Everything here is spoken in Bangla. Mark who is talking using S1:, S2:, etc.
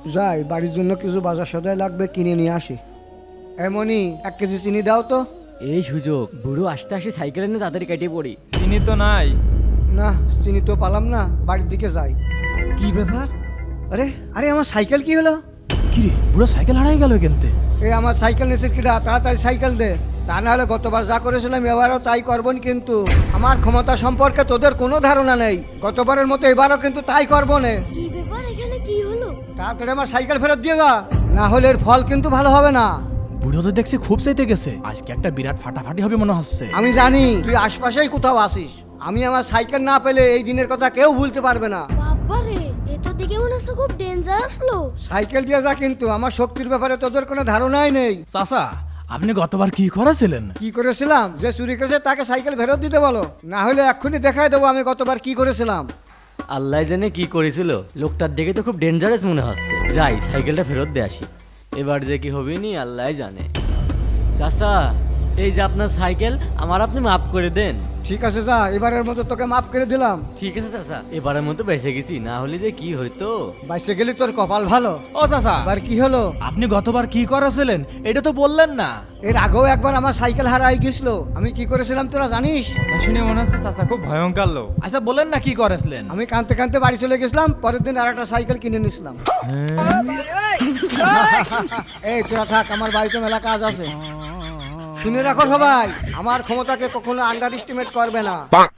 S1: যাই বাড়ির জন্য কিছু বাজার সদাই লাগবে, কিনে নিয়ে আসি। এমনই 1 কেজি চিনি দাও তো।
S2: এই সুযোগ, বুড়ো আসতে আসে সাইকেলে নিয়ে তাড়াতাড়ি কেটে পড়ি।
S3: চিনি তো নাই।
S1: না, চিনি তো পালাম না, বাড়ির দিকে যাই। কি ব্যাপার? আরে আরে আমার সাইকেল কি হলো?
S4: কি রে বুড়ো সাইকেল হারাই গেল কেনতে?
S1: এই আমার সাইকেল নিচের কিনা, তাড়াতাড়ি সাইকেল দে। তা না হলে গতবার যা করেছিলাম এবারও তাই করবন, কিন্তু আমার ক্ষমতা সম্পর্কে তোদের কোনো ধারণা নেই। গতবারের মতো এবারও কিন্তু তাই করবো না।
S5: কি ব্যাপার, এখানে কি হলো?
S1: তাড়াতাড়ি আমার সাইকেল ফেরত দিয়ে যা, না হলে এর ফল কিন্তু ভালো হবে না।
S4: বুড়ো তো দেখছি খুব চাইতে গেছে, আজকে একটা বিরাট ফাটাফাটি হবে মনে হচ্ছে।
S1: আমি জানি তুই আশপাশেই কোথাও আসিস। আমি আমার সাইকেল না পেলে এই দিনের কথা কেউ ভুলতে পারবে না।
S5: বাবারে, এ তো দেখে মনে হচ্ছে খুব ডেঞ্জারাস লোক।
S1: সাইকেল দিয়ে যা, কিন্তু আমার শক্তির ব্যাপারে তোদের কোনো ধারণাই নেই।
S4: চাচা আপনি গতবার কি করেছিলেন?
S1: কি করেছিলাম? যে চুরি করেছে তাকে সাইকেল ফেরত দিতে বলো, না হলে এক্ষুনি দেখাই দেবো আমি গতবার কি করেছিলাম।
S2: আল্লাহ জানে কি করেছিল, লোকটার দেখে তো খুব ডেঞ্জারাস মনে হচ্ছে। যাই সাইকেলটা ফেরত দিয়ে আসি, এবার যে কি হবে নি আল্লাহ জানে। চাচা, এই যে আপনার সাইকেল, আমার আপনি মাফ করে দেন।
S1: ঠিক আছে যা, এবারের মতো তোকে মাফ করে দিলাম।
S2: ঠিক আছে চাচা, এবারের মতো বেঁচে গেছি, না হলে যে কি হইতো।
S1: বাইসে গেলি তোর কপাল ভালো।
S4: ও চাচা
S1: এবার কি হলো?
S4: আপনি গতবার কি করেছিলেন এটা তো বললেন না।
S1: এর আগেও একবার আমার সাইকেল হারাই গেছিল, আমি কি করেছিলাম তোরা জানিস?
S3: তা শুনে মনে হচ্ছে চাচা খুব ভয়ঙ্কর লোক।
S4: আচ্ছা বলেন না কি করেছিলেন?
S1: আমি কাঁদতে কাঁদতে বাড়ি চলে গেছিলাম, পরের দিন আর একটা সাইকেল কিনে নিয়েছিলাম। এই তোরা থাক, আমার বাড়িতে মেলা কাজ আছে। শুনে রাখো সবাই, আমার ক্ষমতাকে কখনো আন্ডার এস্টিমেট করবে না।